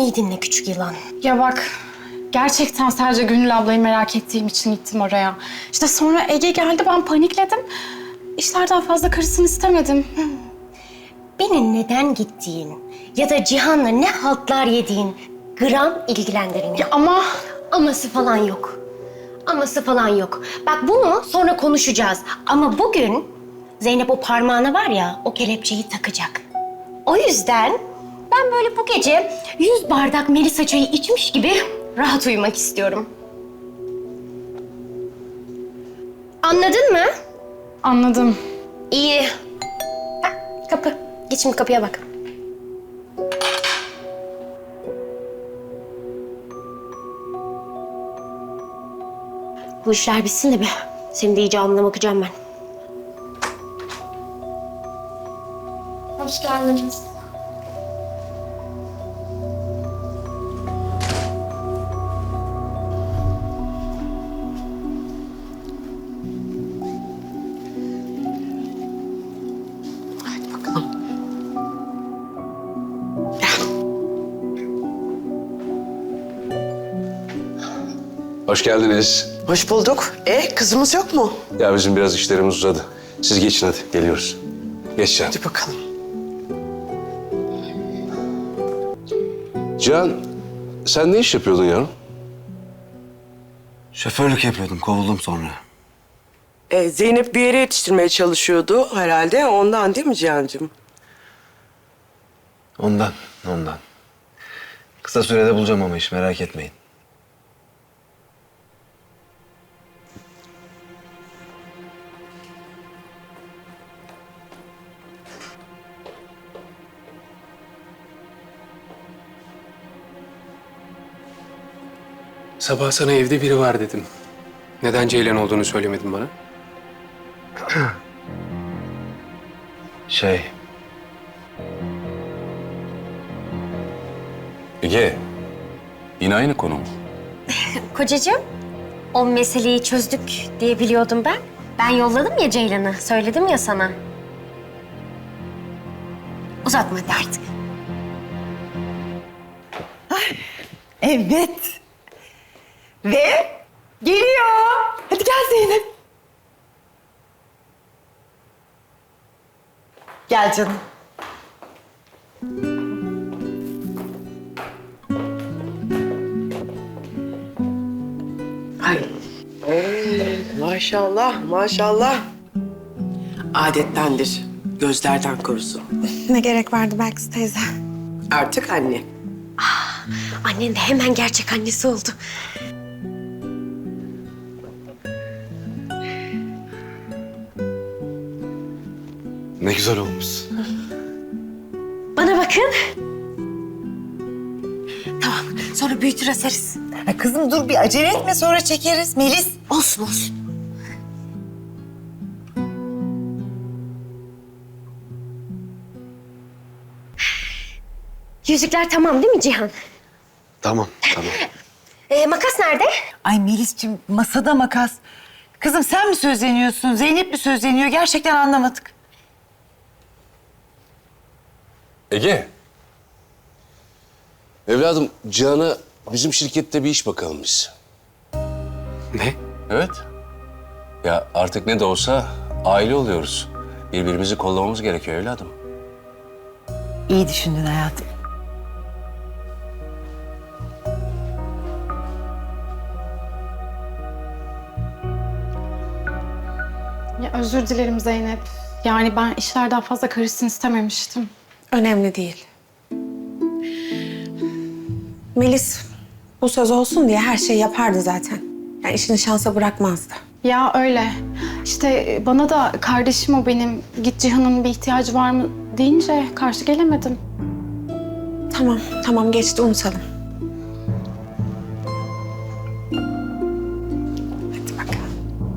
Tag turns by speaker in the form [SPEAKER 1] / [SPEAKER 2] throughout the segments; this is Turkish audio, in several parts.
[SPEAKER 1] iyi dinle küçük yılan.
[SPEAKER 2] Ya bak, gerçekten sadece Gönül ablayı merak ettiğim için gittim oraya. İşte sonra Ege geldi, ben panikledim. İşlerden fazla karısını istemedim.
[SPEAKER 1] Beni neden gittiğin ya da Cihan'la ne haltlar yediğin gram ilgilendirmiyor.
[SPEAKER 2] Ya ama...
[SPEAKER 1] Aması falan yok. Aması falan yok. Bak bunu sonra konuşacağız. Ama bugün Zeynep o parmağına var ya, o kelepçeyi takacak. O yüzden ben böyle bu gece 100 bardak Melisa çayı içmiş gibi rahat uyumak istiyorum. Anladın mı?
[SPEAKER 2] Anladım.
[SPEAKER 1] İyi. Ha, kapı. Git şimdi kapıya bak. Bu işler bitsin de bir. Senin de iyice alnına bakacağım ben.
[SPEAKER 2] Hoş geldiniz.
[SPEAKER 1] Hadi bakalım.
[SPEAKER 3] Hoş geldiniz.
[SPEAKER 4] Hoş bulduk. Kızımız yok mu?
[SPEAKER 3] Ya bizim biraz işlerimiz uzadı. Siz geçin hadi, geliyoruz. Geç Can.
[SPEAKER 4] Hadi bakalım.
[SPEAKER 3] Can, sen ne iş yapıyordun yavrum?
[SPEAKER 5] Şoförlük yapıyordum, kovuldum sonra.
[SPEAKER 4] Zeynep bir yere yetiştirmeye çalışıyordu herhalde. Ondan değil mi Cihan'cığım?
[SPEAKER 5] Ondan. Kısa sürede bulacağım ama iş, merak etmeyin.
[SPEAKER 6] Sabah sana evde biri var dedim. Neden Ceylan olduğunu söylemedin bana?
[SPEAKER 3] Ege, yine aynı konu mu?
[SPEAKER 1] Kocacığım, o meseleyi çözdük diye biliyordum ben. Ben yolladım ya Ceylan'ı, söyledim ya sana. Uzatma hadi artık.
[SPEAKER 4] Evet. Ve geliyor. Hadi gel Zeynep. Gel canım. Ay. Maşallah, maşallah. Adettendir. Gözlerden korusun.
[SPEAKER 7] Ne gerek vardı Belkıs teyze?
[SPEAKER 4] Artık anne.
[SPEAKER 1] Annen de hemen gerçek annesi oldu.
[SPEAKER 5] Ne güzel olmuş.
[SPEAKER 1] Bana bakın. Tamam, sonra büyütür asarız.
[SPEAKER 7] Ay kızım dur bir acele etme sonra çekeriz. Melis.
[SPEAKER 1] Olsun, olsun. Yüzükler tamam değil mi Cihan?
[SPEAKER 5] Tamam.
[SPEAKER 1] Makas nerede?
[SPEAKER 7] Ay Melis'ciğim masada makas. Kızım sen mi sözleniyorsun? Zeynep mi sözleniyor? Gerçekten anlamadık.
[SPEAKER 3] Ege. Evladım, Cihan'a bizim şirkette bir iş bakalım biz.
[SPEAKER 6] Ne?
[SPEAKER 3] Evet. Ya artık ne de olsa aile oluyoruz. Birbirimizi kollamamız gerekiyor evladım.
[SPEAKER 7] İyi düşündün hayatım.
[SPEAKER 2] Ya özür dilerim Zeynep. Yani ben işlerden fazla karısını istememiştim.
[SPEAKER 8] Önemli değil. Melis bu söz olsun diye her şeyi yapardı zaten. Yani işini şansa bırakmazdı.
[SPEAKER 2] Ya öyle. İşte bana da kardeşim o benim, git Cihan'ın bir ihtiyacı var mı deyince karşı gelemedim.
[SPEAKER 8] Tamam geçti unutalım. Hadi bakalım.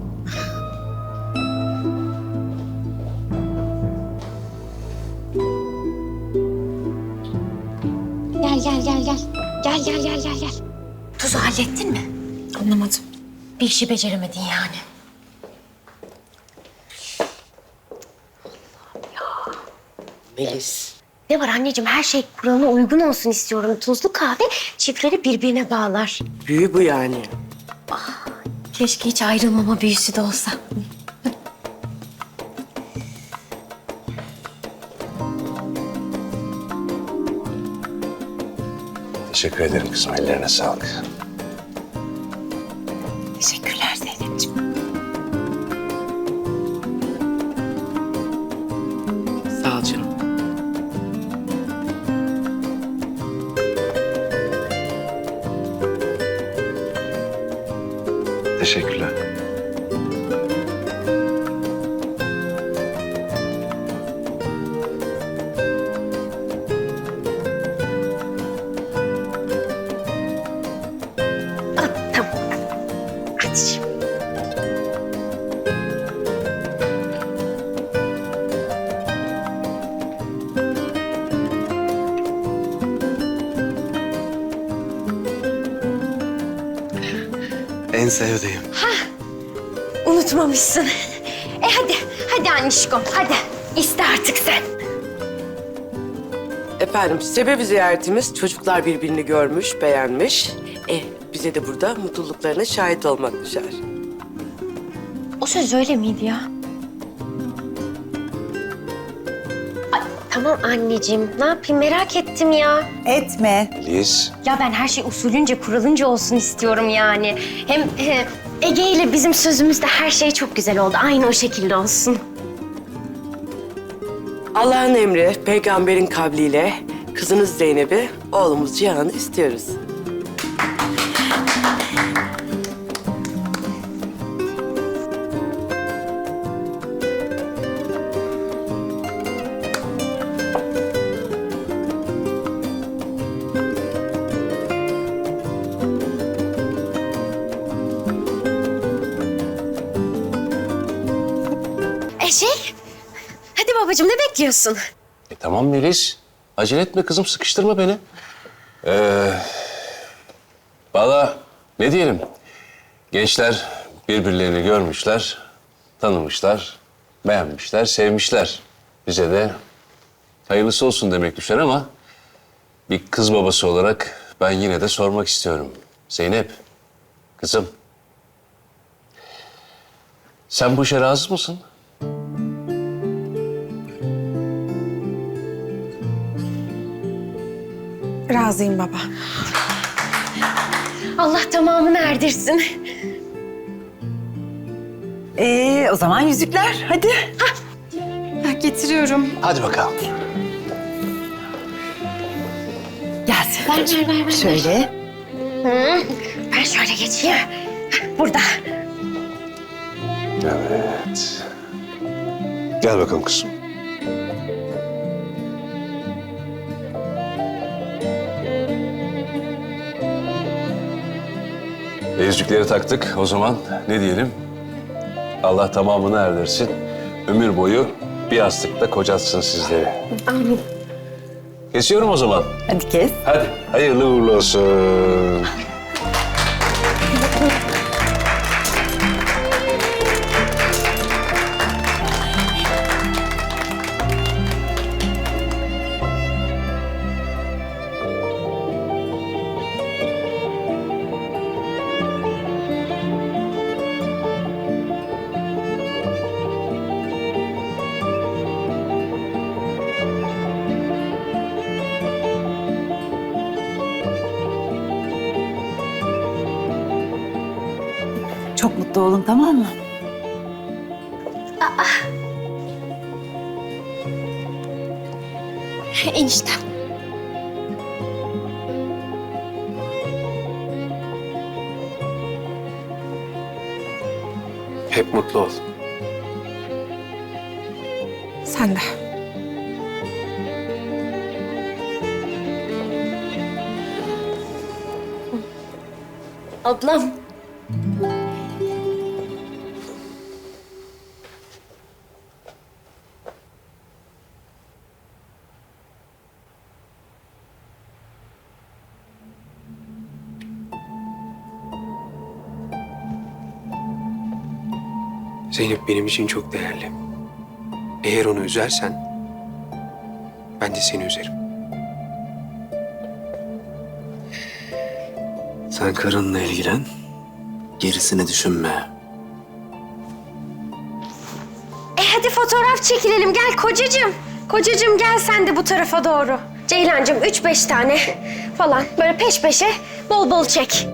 [SPEAKER 1] Gel. Tuzu hallettin mi?
[SPEAKER 8] Anlamadım.
[SPEAKER 1] Bir işi beceremedin yani.
[SPEAKER 4] Melis,
[SPEAKER 1] Ne var anneciğim, her şey kuralına uygun olsun istiyorum. Tuzlu kahve çiftleri birbirine bağlar.
[SPEAKER 4] Büyü bu yani.
[SPEAKER 1] Keşke hiç ayrılmama büyüsü de olsa.
[SPEAKER 3] Teşekkür ederim kızım. Ellerine sağlık.
[SPEAKER 7] Teşekkürler Zeynep'ciğim.
[SPEAKER 4] Sağ ol canım.
[SPEAKER 5] Teşekkürler.
[SPEAKER 1] Tamam. Hadi şimdi.
[SPEAKER 5] En sevdiğim.
[SPEAKER 1] Unutmamışsın. Hadi annişkom, hadi. İste artık sen.
[SPEAKER 4] Efendim sebebi ziyaretimiz çocuklar birbirini görmüş, beğenmiş. Bize de burada mutluluklarına şahit olmak düşer.
[SPEAKER 1] O söz öyle miydi ya? Ay, tamam anneciğim, ne yapayım merak ettim ya.
[SPEAKER 7] Etme.
[SPEAKER 3] Liz.
[SPEAKER 1] Ya ben her şey usulünce, kuralınca olsun istiyorum yani. Hem Ege ile bizim sözümüzde her şey çok güzel oldu. Aynı o şekilde olsun.
[SPEAKER 4] Allah'ın emri, peygamberin kavliyle kızınız Zeynep'i, oğlumuz Cihan'ı istiyoruz.
[SPEAKER 1] Hadi babacığım, ne bekliyorsun?
[SPEAKER 3] Tamam Melis. Acele etme kızım. Sıkıştırma beni. Valla ne diyelim? Gençler birbirlerini görmüşler, tanımışlar, beğenmişler, sevmişler. Bize de hayırlısı olsun demek düşer ama bir kız babası olarak ben yine de sormak istiyorum. Zeynep, kızım. Sen bu işe razı mısın?
[SPEAKER 8] Razıyım baba.
[SPEAKER 1] Allah tamamını erdirsin.
[SPEAKER 7] O zaman yüzükler hadi.
[SPEAKER 2] Getiriyorum.
[SPEAKER 3] Hadi bakalım.
[SPEAKER 7] Gel Sedacığım.
[SPEAKER 1] Ver.
[SPEAKER 7] Şöyle.
[SPEAKER 1] Ben şöyle geçeyim. Burada.
[SPEAKER 3] Evet. Gel bakalım kızım. Yüzükleri taktık. O zaman ne diyelim? Allah tamamını erdirsin. Ömür boyu bir yastıkta kocatsın sizleri.
[SPEAKER 1] Amin.
[SPEAKER 3] Kesiyorum o zaman.
[SPEAKER 7] Hadi kes.
[SPEAKER 3] Hadi hayırlı uğurlu olsun.
[SPEAKER 7] Çok mutlu olun, tamam mı?
[SPEAKER 1] Eniştem.
[SPEAKER 6] Hep mutlu ol.
[SPEAKER 8] Sen de.
[SPEAKER 1] Ablam.
[SPEAKER 6] Zeynep benim için çok değerli. Eğer onu üzersen ben de seni üzerim.
[SPEAKER 5] Sen karınla ilgilen. Gerisini düşünme.
[SPEAKER 1] Hadi fotoğraf çekilelim. Gel kocacığım. Kocacığım gel sen de bu tarafa doğru. Ceylancığım 3-5 tane falan böyle peş peşe bol bol çek.